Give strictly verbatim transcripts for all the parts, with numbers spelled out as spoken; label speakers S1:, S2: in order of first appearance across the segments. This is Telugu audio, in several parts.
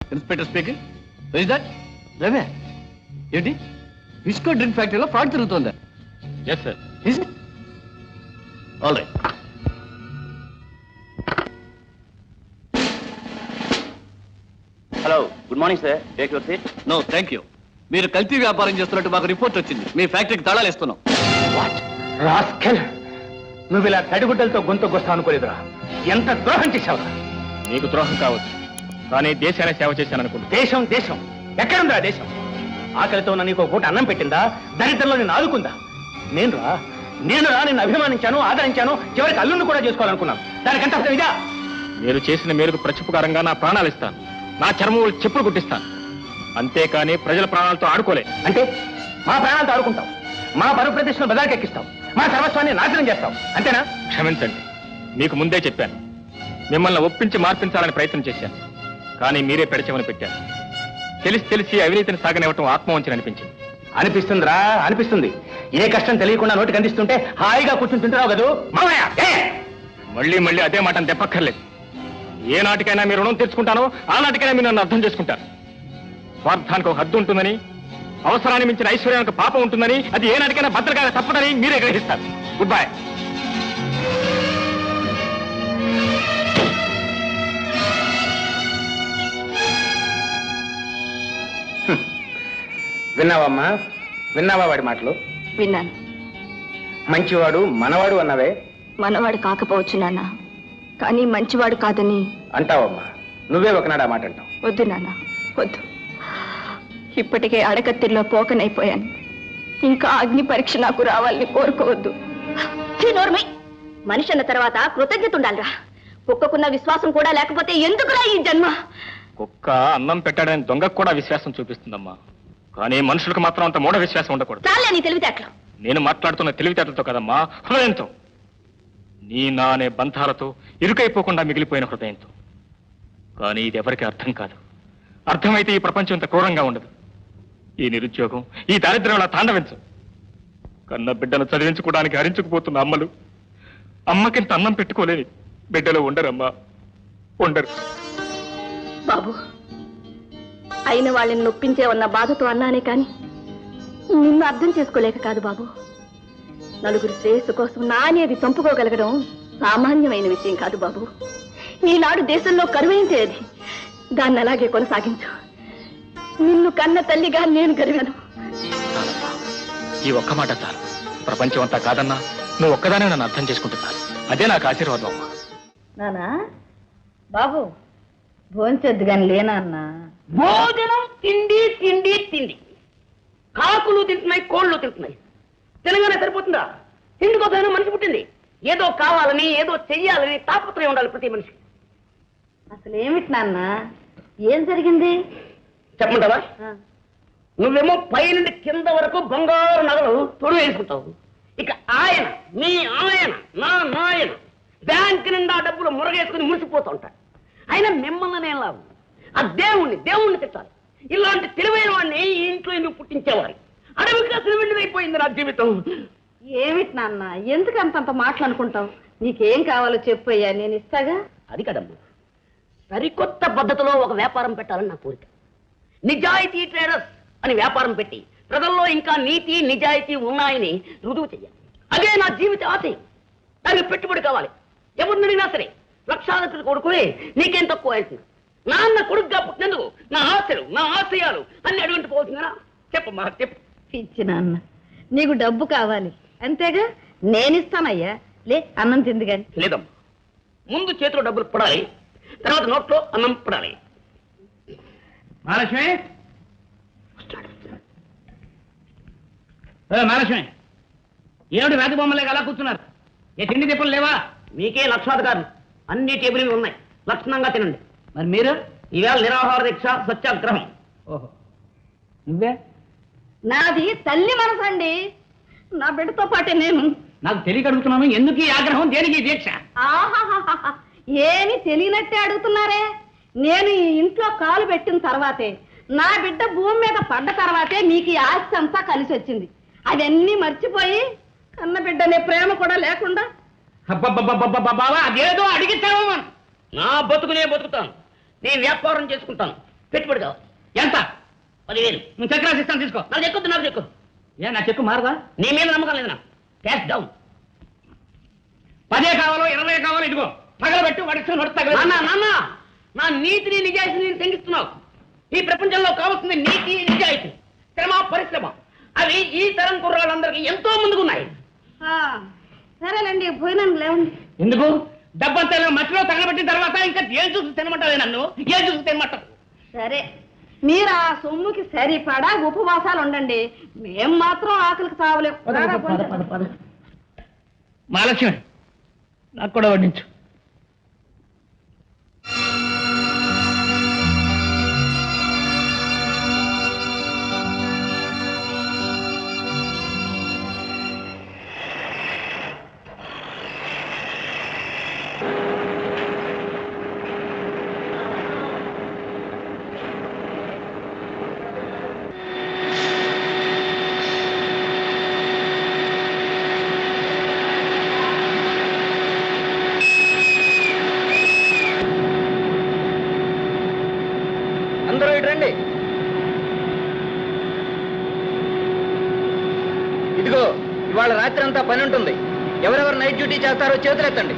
S1: Inspector speaking. Is that Ravi? ఏంటి విస్కో డ్రింక్ ఫ్యాక్టరీలో ఫ్రాడ్ జరుగుతుందా?
S2: Yes sir.
S1: Is it? All right.
S3: Hello, good morning sir. Take your seat.
S1: No thank you. మీరు కల్తీ వ్యాపారం చేస్తున్నట్టు మాకు రిపోర్ట్ వచ్చింది. మీ ఫ్యాక్టరీకి తాళాలు ఇస్తున్నాం.
S4: రాస్కెల్, నువ్వు ఇలా తడిగుడ్డలతో గొంతుకొస్తా అనుకోలేదురా. ఎంత ద్రోహం చేశావురా.
S2: నీకు ద్రోహం కావచ్చు, కానీ దేశాన్ని సేవ చేశాను అనుకుంటా.
S4: దేశం దేశం ఎక్కడుందా దేశం? ఆకలితో ఉన్న నీకు పూట అన్నం పెట్టిందా? దరిద్రంలో నేను ఆదుకుందా? నేను రా నేను రా నిన్ను అభిమానించాను, ఆదరించాను, చివరికి అల్లుండి కూడా చేసుకోవాలనుకున్నాను. దానికంటే అర్థం ఇదా?
S2: మీరు చేసిన మేరకు ప్రత్యుపకారంగా నా ప్రాణాలు ఇస్తాను, నా చర్మములు చెప్పులు కుట్టిస్తాను. అంతేకాని ప్రజల ప్రాణాలతో ఆడుకోలే.
S4: అంటే మా ప్రాణాలతో ఆడుకుంటాం, మా పరువు ప్రతిష్టను బదాకెక్కిస్తాం, మా సర్వస్వాన్ని నాశనం చేస్తాం, అంతేనా?
S2: క్షమించండి, మీకు ముందే చెప్పాను. మిమ్మల్ని ఒప్పించి మార్పించాలని ప్రయత్నం చేశాను, కానీ మీరే పెడచెమని పెట్టారు. తెలిసి తెలిసి అవినీతిని సాగనివ్వటం ఆత్మవంచన అనిపించింది.
S4: అనిపిస్తుందిరా, అనిపిస్తుంది. ఏ కష్టం తెలియకుండా నోటికి అందిస్తుంటే హాయిగా కూర్చుని తింటున్నావు కదూ మామయ్య.
S2: మళ్ళీ మళ్ళీ అదే మాట దెప్పక్కర్లేదు. ఏ నాటికైనా మీరు రుణం తెచ్చుకుంటానో ఆ నాటికైనా మీరు నన్ను అర్థం చేసుకుంటారు. స్వార్థానికి ఒక హద్దు ఉంటుందని, అవసరాన్ని మించిన ఐశ్వర్యానికి పాపం ఉంటుందని, అది ఏ నాటికైనా భద్రకాయ తప్పదని మీరే గ్రహిస్తారు. Good bye.
S4: విన్నావమ్మా, విన్నావా వాడి మాటలు?
S5: విన్నాను.
S4: మంచివాడు మనవాడు అన్నవే.
S5: మనవాడు కాకపోవచ్చు నాన్న, కానీ మంచివాడు కాదని
S4: అంటావమ్మా. నువ్వే ఒకనాడు ఆ మాట అంటావు.
S5: వద్దు నాన్న, వద్దు. ఇప్పటికే అడకత్తిలో పోకనైపోయాను. ఇంకా అగ్ని పరీక్ష నాకు రావాలని కోరుకోవద్దు. మనిషి అన్న తర్వాత కృతజ్ఞత ఉండాలిరా. కుక్కకున్న విశ్వాసం కూడా లేకపోతే ఎందుకురా ఈ జన్మ?
S2: కుక్క అన్నం పెట్టాడని దొంగకు కూడా విశ్వాసం చూపిస్తుందమ్మా, కానీ మనుషులకు మాత్రం అంత మూఢ విశ్వాసం ఉండకూడదు.
S5: చాలే నీ తెలివితేటలు.
S2: నేను మాట్లాడుతున్న తెలివితేటలతో కదమ్మా, హృదయంతో. నీ నా అనే బంధాలతో ఇరుకైపోకుండా మిగిలిపోయిన హృదయంతో. కానీ ఇది ఎవరికి అర్థం కాదు. అర్థమైతే ఈ ప్రపంచం ఇంత క్రూరంగా ఉండదు. ఈ నిరుద్యోగం, ఈ దారిద్ర్యం తాండవించు. కన్న బిడ్డను చదివించుకోవడానికి హరించుకుపోతున్న అమ్మలు అమ్మకింత అన్నం పెట్టుకోలేని బిడ్డలు ఉండరమ్మా, ఉండరు.
S5: బాబు, అయిన వాళ్ళని నొప్పించేవన్న బాధతో అన్నానే కాని నిన్ను అర్థం చేసుకోలేక కాదు బాబు. నలుగురు శ్రేయస్సు కోసం నా అనేది చంపుకోగలగడం సామాన్యమైన విషయం కాదు బాబు. ఈనాడు దేశంలో కరువైందే అది. దాన్ని అలాగే కొనసాగించు. నిన్ను కన్న తల్లిగా నేను గర్వాను.
S2: ఈ ఒక్క మాట చాలు. ప్రపంచం అంతా కాదన్నా నువ్వు ఒక్కదానే నన్ను అర్థం చేసుకుంటున్నాను. అదే నాకు ఆశీర్వాదం అమ్మా.
S5: నానా బాబు, భోంచొద్దు గాని లేనా అన్నా?
S6: భోజనం తిండి తిండి తిండి. కాకులు తింటున్నాయి, కోళ్ళు తింటున్నాయి. తెలంగాణ సరిపోతుందా? తిండి కోసమైనా మనిషి పుట్టింది. ఏదో కావాలని, ఏదో చెయ్యాలని తాపత్రయం ఉండాలి ప్రతి మనిషి.
S5: అసలు ఏమిటి నాన్న, ఏం జరిగింది
S6: చెప్పమంటావా? నువ్వేమో పై నుండి కింద వరకు బంగారు నగలు తొడు వేసుకుంటావు. ఇక ఆయన, మీ ఆయన, నా నాయన బ్యాంక్ నిండా డబ్బులు మురగేసుకుని మురిసిపోతూ ఉంటాడు. ఆయన మిమ్మల్ని లాభం. ఆ దేవుణ్ణి దేవుణ్ణి తిట్టాలి. ఇలాంటి తెలివైన వాడిని ఈ ఇంట్లో ఎందుకు పుట్టించేవారు? అడవిగా తెలివిండిదైపోయింది నా జీవితం.
S5: ఏమిటి నాన్న, ఎందుకు అంతంత మాట్లాడుకుంటావు? నీకేం కావాలో చెప్పు అయ్యా, నేను ఇస్తాగా.
S6: అది కదమ్మా, సరికొత్త పద్ధతిలో ఒక వ్యాపారం పెట్టాలని నా కోరిక. నిజాయితీ ట్రేడర్స్ అని వ్యాపారం పెట్టి ప్రజల్లో ఇంకా నీతి నిజాయితీ ఉన్నాయని రుజువు చెయ్యాలి. అదే నా జీవిత ఆశయం. దానికి పెట్టుబడి కావాలి. ఎవరిని అడిగినా సరే లక్షాధిపతి కొడుకునే నీకేం తక్కువ అంటున్నా. నాన్న కొడుకుగా పుట్టినందుకు నా ఆశలు, నా ఆశయాలు అన్ని అడుగుంటూ పోతుందా? చెప్పమ్మా, చెప్పు.
S5: పిచ్చి నాన్న, నీకు డబ్బు కావాలి అంతేగా, నేనిస్తానయ్యా. లే, అన్నం తింది గాని.
S6: లేదమ్మా, ముందు చేతిలో డబ్బులు పడాలి, తర్వాత నోట్లో అన్నం పడాలి.
S4: మహాలక్ష్మి, మహాలక్ష్మి, ఏమిటి రాతి బొమ్మలే అలా కూర్చున్నారు? ఏ తిండి తిప్పలు లేవా?
S6: మీకే లక్షాధికారులు, అన్ని టేబుల్ మీద ఉన్నాయి, లక్షణంగా తినండి.
S4: మరి మీరు?
S6: ఈవేళ నిరాహార దీక్ష, సత్యాగ్రహం.
S4: ఓహో, నువ్వే?
S5: నాది తల్లి మనసు అండి, నా బిడ్డతో పాటే నేను.
S4: నాకు తెలియక అడుగుతున్నాను, ఎందుకు ఈ ఆగ్రహం, దేనికి ఈ దీక్ష?
S5: ఆహాహాహా, ఏమి తెలియనట్టే అడుగుతున్నారే. నేను ఈ ఇంట్లో కాలు పెట్టిన తర్వాతే, నా బిడ్డ భూమి మీద పడ్డ తర్వాతే మీకు ఈ ఆస్తి అంతా కలిసి వచ్చింది. అవన్నీ మర్చిపోయి కన్న బిడ్డనే ప్రేమ కూడా లేకుండా.
S6: బాబా, అదేదో అడిగిస్తావు. నా బతుకునే బతుకుతాను, నేను వ్యాపారం చేసుకుంటాను. పెట్టుబడి కావాలి.
S4: ఎంత?
S6: పదివేలు.
S4: నువ్వు చెక్ రాసి ఇస్తాను, తీసుకో.
S6: నాకు చెక్కొద్దు, నాకు చెక్కు.
S4: ఏ నా చెక్కు మారదా?
S6: నీ మీద నమ్మకం లేదు నాకు. Cash down.
S4: పదే కావాలో ఇరవై కావాలో ఇదిగో తగలబెట్టు, వాడికి
S6: నాన్న నాన్న నా నీతిని నిజాయితీని తెంగిస్తున్నావు. ఈ ప్రపంచంలో కావాల్సింది నీతి నిజాయితీ, శ్రమ పరిశ్రమ. అవి ఈ తరం కుర్రాళ్ళందరికీ ఎంతో ముందుకున్నాయి.
S5: సరేలేండి, భోజనం లేవండి.
S4: ఎందుకు? డబ్బంతా మట్టిలో తగలబెట్టిన తర్వాత ఇంకా ఏం చూసి తినమంటావే నన్ను? ఏం చూసి తినమంటావు?
S5: సరే, మీరు ఆ సొమ్ముకి సరిపడా ఉపవాసాలు ఉండండి. మేం మాత్రం ఆకలికి చావలేం.
S4: మహాలక్ష్మి, నాకు కూడా వడ్డించు.
S1: అందరూ ఇటు రండి. ఇదిగో, ఇవాళ రాత్రి అంతా పని ఉంటుంది. ఎవరెవరు నైట్ డ్యూటీ చేస్తారో చేతులెత్తండి.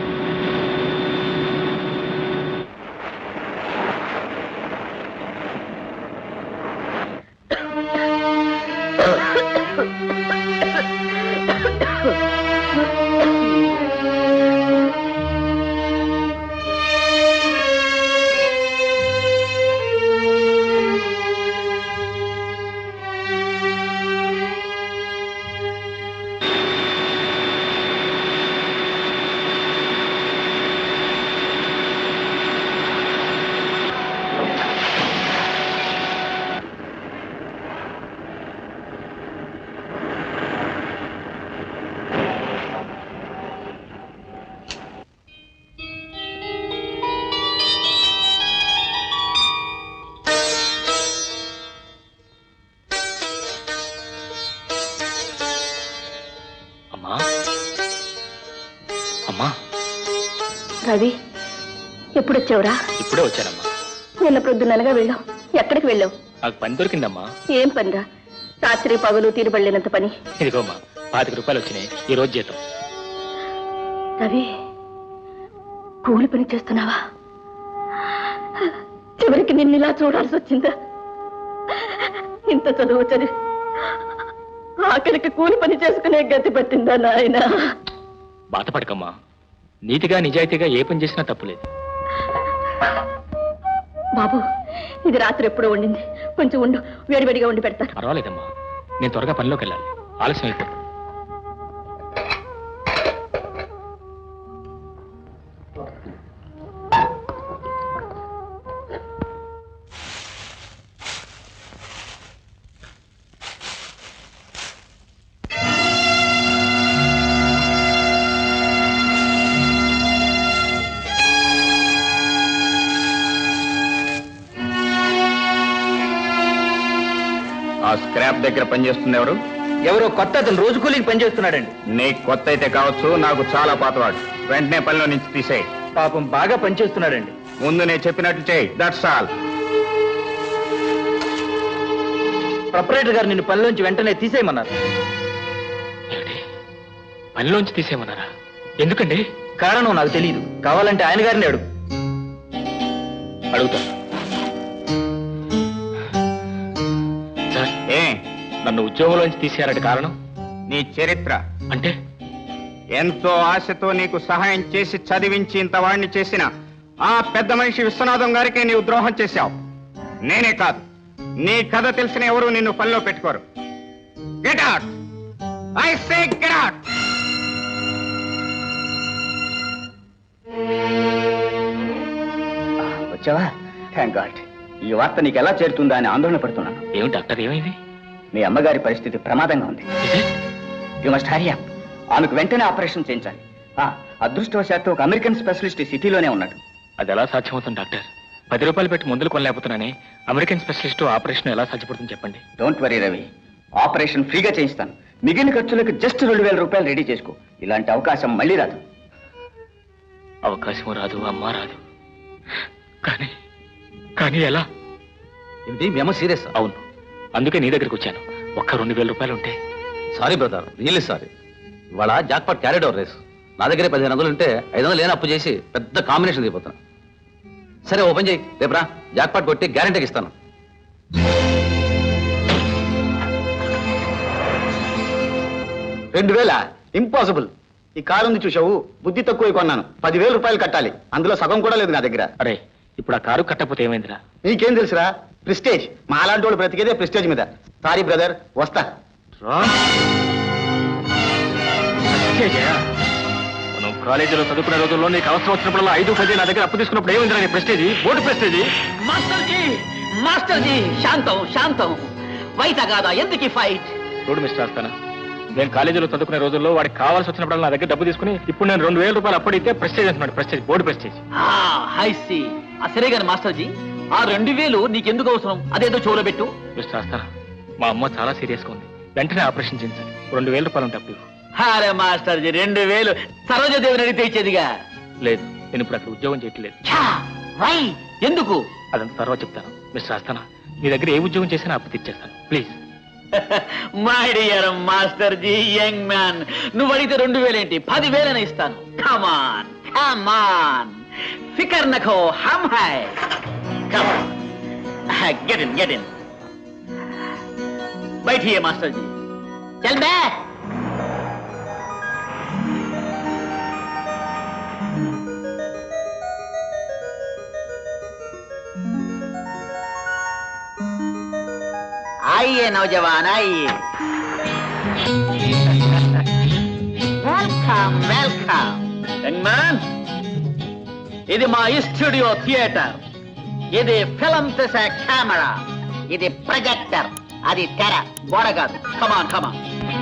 S2: అమ్మా,
S5: రవి, ఎప్పుడొచ్చావురా?
S2: ఇప్పుడే వచ్చానమ్మా.
S5: నిన్న ప్రొద్దుననగా వెళ్ళావు. ఎక్కడికి వెళ్ళావు?
S2: నాకు పని దొరికిందమ్మా.
S5: ఏం పనిరా? రాత్రి పగలు తీరుబడలేనంత పని.
S2: ఇదిగోమ్మా, పాతిక రూపాయలు వచ్చినాయి ఈ రోజు జీతం.
S5: రవి, కూలి పని చేస్తున్నావా? చివరికి నిన్ను ఇలా చూడాల్సి వచ్చిందా? ఇంత చదువు చదివి ఆఖరికి కూలి పని చేసుకునే గతి పట్టిందా నాయన?
S2: బాధపడకమ్మా, నీతిగా నిజాయితీగా ఏ పని చేసినా తప్పులేదు.
S5: బాబు, ఇది రాత్రి ఎప్పుడో వండింది, కొంచెం ఉండు, వేడివేడిగా వండి పెడతారు.
S2: పర్వాలేదమ్మా, నేను త్వరగా పనిలోకి వెళ్ళాలి, ఆలస్యం అయిపోతుంది.
S3: ఆ స్క్రాప్ దగ్గర పనిచేస్తుంది ఎవరు?
S1: ఎవరో కొత్త అతను రోజు కూలీకి పనిచేస్తున్నాడండి.
S3: నీకు కొత్త అయితే కావచ్చు, నాకు చాలా పాతవాడు. వెంటనే పనిలో నుంచి తీసేయి.
S1: పాపం బాగా పనిచేస్తున్నాడండి.
S3: ముందు నేను చెప్పినట్లు చేయి, దట్స్ ఆల్.
S1: ప్రొపరేటర్ గారు నిన్ను పనిలోంచి వెంటనే తీసేయమన్నారు.
S2: ఏమిటి? పనిలోంచి తీసేయమన్నారా? ఎందుకండి?
S1: కారణం నాకు తెలియదు. కావాలంటే ఆయన గారిని అడుగు.
S2: అడుగుతా. సార్,
S3: ఏ
S2: నన్ను ఉద్యోగంలోంచి తీసేయాలంటే కారణం?
S3: నీ చరిత్ర.
S2: అంటే
S3: ఎంతో ఆశతో నీకు సహాయం చేసి చదివించి ఇంత వాడిని చేసిన ఆ పెద్ద మనిషి విశ్వనాథం గారికి నీవు ద్రోహం చేశావు. నేనే కాదు, నీ కథ తెలిసిన ఎవరు నిన్ను పనిలో పెట్టుకోరు. Get out, I say get out.
S1: వచ్చావా? Thank god. ఈ వార్త నీకు ఎలా చేరుతుందా అని ఆందోళన పడుతున్నాను.
S2: ఏమిటి డాక్టర్, ఏమైంది?
S1: మీ అమ్మగారి పరిస్థితి ప్రమాదంగా ఉంది. You must hurry up. ఆమెకు వెంటనే ఆపరేషన్ చేయించాలి. ఆ, అదృష్టవశాత్తు ఒక అమెరికన్ స్పెషలిస్ట్ సిటీలోనే ఉన్నాడు.
S2: అది ఎలా సాధ్యమవుతుంది డాక్టర్? పది రూపాయలు పెట్టి మందులు కొనలేకపోతున్నానే, అమెరికన్ స్పెషలిస్ట్ ఆపరేషన్ ఎలా సాధ్యపడుతుంది చెప్పండి.
S1: డోంట్ వరీ రవి, ఆపరేషన్ ఫ్రీగా చేయిస్తాను. మిగిలిన ఖర్చులకు జస్ట్ రెండు వేల రూపాయలు రెడీ చేసుకో. ఇలాంటి అవకాశం మళ్ళీ రాదు.
S2: అవకాశం రాదు, అమ్మ రాదు. కానీ కానీ ఎలా?
S7: ఏంటి మీ అమ్మ సీరియస్?
S2: అవును, అందుకే నీ దగ్గరికి వచ్చాను. ఒక్క రెండు వేల రూపాయలు ఉంటే.
S7: Sorry brother, really sorry. ఇవాళ జాక్పాట్ క్యారెడ్ ఓవర్ రేస్. నా దగ్గరే పదిహేను వందలు ఉంటే ఐదు వందలు లేని అప్పు చేసి పెద్ద కాంబినేషన్ దిగిపోతాను. సరే ఓపెన్ చేయి, రేపురా జాక్పాట్ కొట్టి గ్యారెంటీకి ఇస్తాను.
S4: రెండు వేల ఇంపాసిబుల్. ఈ కారు ఉంది చూసావు, బుద్ధి తక్కువ కొన్నాను. పదివేల రూపాయలు కట్టాలి, అందులో సగం కూడా లేదు నా దగ్గర.
S2: అరే, ఇప్పుడు ఆ కారు కట్టకపోతే ఏమైందిరా?
S4: నీకేం తెలుసురా? ప్రెస్టేజ్. మా అలాంటి వాళ్ళు బ్రతికేదే ప్రెస్టేజ్ మీద. సారీ బ్రదర్, వస్తా.
S2: మనం కాలేజీలో చదువుకునే రోజుల్లో నీకు అవసరం వచ్చినప్పుడు ఐదు పది నా దగ్గర అప్పు తీసుకున్నప్పుడు ఏమైందిరా నీ ప్రెస్టేజీ? Board prestige.
S6: మాస్టర్జీ మాస్టర్జీ శాంతం శాంతం. వైత కాదా ఎందుకు ఫైట్?
S2: చూడు మిస్టర్ ఆస్తానా, నేను కాలేజీలో చదువుకునే రోజుల్లో వాడికి కావాల్సి వచ్చినప్పుడు నా దగ్గర డబ్బు తీసుకుని ఇప్పుడు నేను రెండు వేల రూపాయలు అప్పడితే ప్రెస్టేజ్ అంటున్నాడు. Prestige, board prestige.
S6: హైసి సరే గాని మాస్టర్జీ, ఆ రెండు వేలు నీకెందుకు అవసరం? అదేదో చెవులో పెట్టు.
S2: మిస్టర్ ఆస్తానా, మా అమ్మ చాలా సీరియస్ గా ఉంది, వెంటనే ఆపరేషన్ చేయించాలి. రెండు వేల రూపాయలు ఉంటే అప్పు ఇవ్వు.
S6: అరే మాస్టర్జీ, రెండు వేలు సరోజదేవిని అడిగితే ఇచ్చేదిగా.
S2: లేదు, నేను ఇప్పుడు అక్కడ ఉద్యోగం చేయట్లేదు.
S6: వై ఎందుకు?
S2: అదంతా తర్వాత చెప్తాను. మిస్టర్ ఆస్తానా, నీ దగ్గర ఏ ఉద్యోగం చేసినా అప్పు తెచ్చేస్తాను, ప్లీజ్.
S6: మై డియర్ మాస్టర్జీ, యంగ్ మ్యాన్, నువ్వు అడిగితే రెండు వేలేంటి, పదివేలని ఇస్తాను. కమాన్ కమాన్, ఫికర్ నఖో, హమ్ హై. Get in get in. बैठिए मास्टर जी. चल बैठ. आइए नौजवान, आइए. Welcome welcome. యంగ్ మ్యాన్, ఇది మా స్టూడియో థియేటర్. ఇది ఫిల్మ్ తీసే కెమెరా. ఇది ప్రొజెక్టర్. అది తెర, గోడ కాదు. Come on come on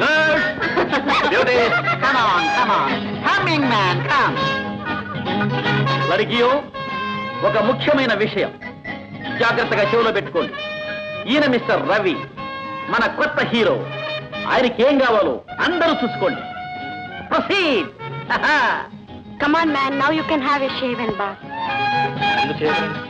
S6: come on come on coming man come. లడికియో, ఒక ముఖ్యమైన విషయం జాగ్రత్తగా చెవులో పెట్టుకోండి. ఈయన మిస్టర్ రవి, మన కొత్త హీరో. ఆయనకి ఏం కావాలో అందరూ చూసుకోండి. Proceed.
S5: Come on, man. Now you can have a shave and bath.
S2: ఎందుకు చేయగలను?